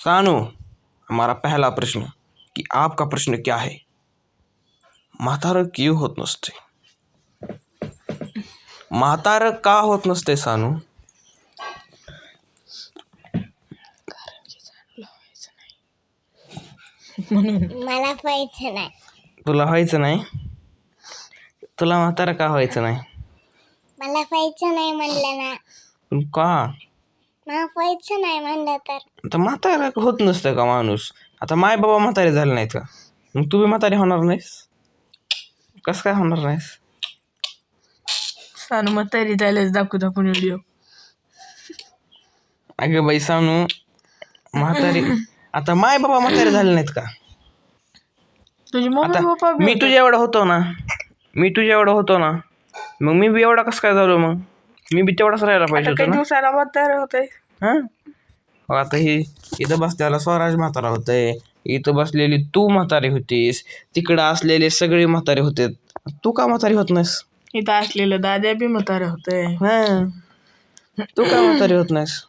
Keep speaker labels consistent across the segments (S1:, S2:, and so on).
S1: सानू, हमारा पहला प्रश्न कि आपका प्रश्न क्या है? म्हातारं क्यों होत नसते? म्हातारं का होत नसते सानू?
S2: मला व्हायचं नाही.
S1: तुला व्हायचं नाही? तुला म्हातारं का व्हायचं नाही?
S2: मला व्हायचं नाही म्हणलं ना.
S1: पण का?
S2: मला व्हायचं नाही म्हणलं तर
S1: आता म्हातारा होत नसतं का माणूस? आता माय बाबा म्हातारे झाले नाहीत का? मग तू बी म्हातारे होणार नाहीस? कसं काय होणार नाहीस?
S3: सानू म्हातारी झाल्यास दाखवून व्हिडिओ.
S1: अगं बाई सानू, म्हातारी आता माय बाबा म्हातारे झाले नाहीत का?
S3: तुझी मम्मी
S1: आता
S3: पप्पा बी
S1: मी तुझ्या एवढा होतो ना, मग मी बी एवढा कसं काय झालो? मग मी बी तेवढाच राहायला पाहिजे
S3: आता
S1: होतो
S3: काही
S1: ना.
S3: दिवसाला म्हातारा होतंय.
S1: हा, आता हे इथं बसलेला स्वराज म्हातारा होतंय, इथं बसलेली तू म्हातारी होतीस, तिकडं असलेले सगळे म्हातारे होते. तू का म्हातारी होत नाहीस?
S3: इथं असलेलं दाद्या बी म्हातारा होतंय.
S1: हा, तू का म्हातारी होत नाहीस?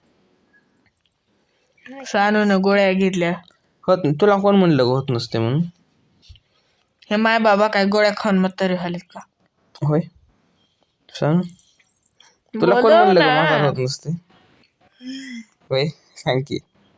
S3: सानूनं गोळ्या घेतल्या.
S1: तुला कोण म्हणलं होत नसते म्हणून?
S3: हे माय बाबा काय गोळ्या खाऊन म्हातारे झालेत का?
S1: होय सांग, तुला कोण म्हणलं का म्हातारा होत नसते? होय सांग की.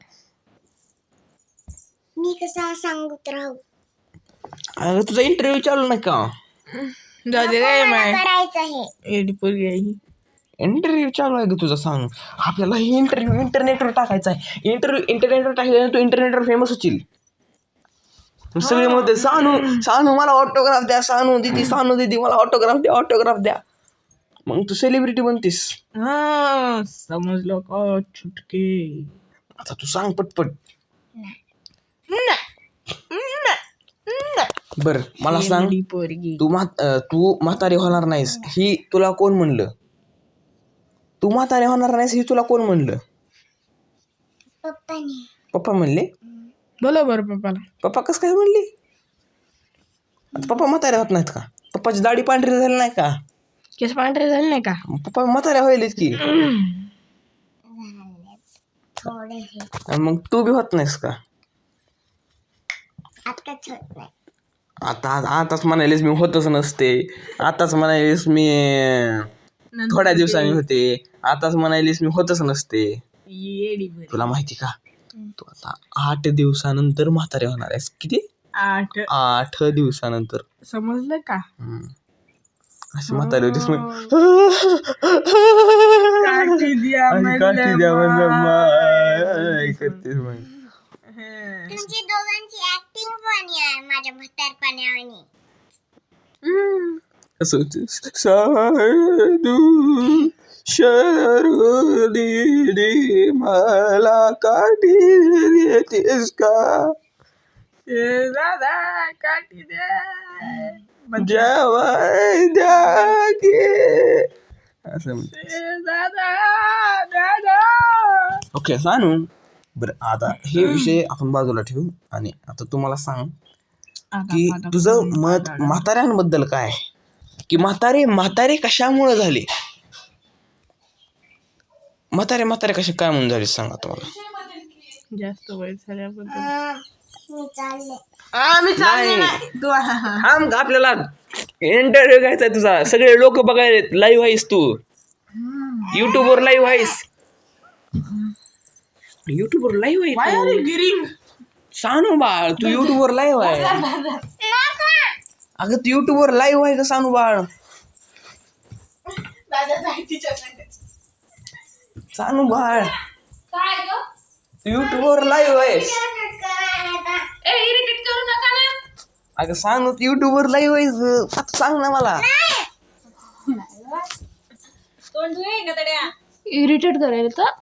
S2: मी कसं सांगत राहू?
S1: अगं तुझा इंटरव्ह्यू चालू नाही का?
S3: दादे काय माय
S2: करायचं आहे.
S3: एडी पोरगी आहे ही.
S1: इंटरव्ह्यू चालू आहे ग तुझा. सांग, आपल्याला ही इंटरव्ह्यू इंटरनेटवर टाकायचा आहे. इंटरनेटवर टाकल्याने तू इंटरनेटवर फेमस होशील. सगळे म्हणते सानू मला ऑटोग्राफ द्या, सानू दीदी मला ऑटोग्राफ द्या. मग तू सेलिब्रिटी बनतीस.
S3: हा समजलो का छुटके.
S1: आता तू सांग पटपट. बर मला सांग,
S3: एडी पोरगी.
S1: तू म्हातारी होणार नाहीस ही तुला कोण म्हणलं? तू म्हातारी होणार नाहीस ही तुला कोण म्हणलं?
S2: पप्पाने.
S1: पप्पा म्हणले?
S3: बोला बरं पप्पाला.
S1: पप्पा कसं काय म्हणले? आता पप्पा म्हातारे होत नाहीत का? पप्पाची दाढी पांढरी झाली नाही का?
S3: केस पांढरे झाले नाही का?
S1: पप्पा म्हाताऱ्या व्हायलेत की.
S2: थोडे हे
S1: आणि मग तू बी होत नाहीस का?
S2: आताच होत नाही.
S1: आताच म्हणालीस मी होतच नसते, आताच म्हणालीस मी थोड्या दिवसांनी होते, आताच म्हणालीस मी होतच नसते.
S3: एडी पोरगी.
S1: तुला माहिती का, तू आता 8 दिवसानंतर म्हातारे होणार आहेस. किती? 8 दिवसानंतर.
S3: समजलं का?
S1: अशी म्हातारी होतीस मग.
S3: काठी द्या
S1: करतेस मग.
S2: तुमची दोघांची ऍक्टिंग पण आहे माझ्या म्हातारपणावानी.
S1: असं होतीस. साधू शरदी मला काठी देतेस का?
S3: दादा काठी द्या.
S1: जेवाय द्या की. असं म्हणते.
S3: दादा.
S1: ओके सानू, बरं आता हे विषय आपण बाजूला ठेवू आणि आता तू मला सांग की तुझं मत म्हाताऱ्यांबद्दल काय आहे? की म्हातारे कशामुळे झाले? म्हातारे कसे काय म्हणून झाले सांग आता मला.
S3: जास्त वय झाल्याबद्दल.
S2: मी चालले.
S1: थांब, आपल्याला इंटरव्ह्यू घ्यायचा तुझा. सगळे लोक बघायला लाईव्ह आहेस तू. युट्यूबवर लाईव्ह आहेस. युट्यूबवर लाईव्ह आहे
S3: गिरिंग.
S1: सानू बाळ, तू युट्यूबवर लाईव्ह आहे. अगं तू युट्यूबवर लाईव्ह आहे का सानू बाळ? सानू बाळ, युट्यूबवर लाईव्ह आहेस. अगं सांग, तू युट्यूबवर लाईव्ह आहेस. आता सांग ना मला.
S3: इरिटेट करायला तर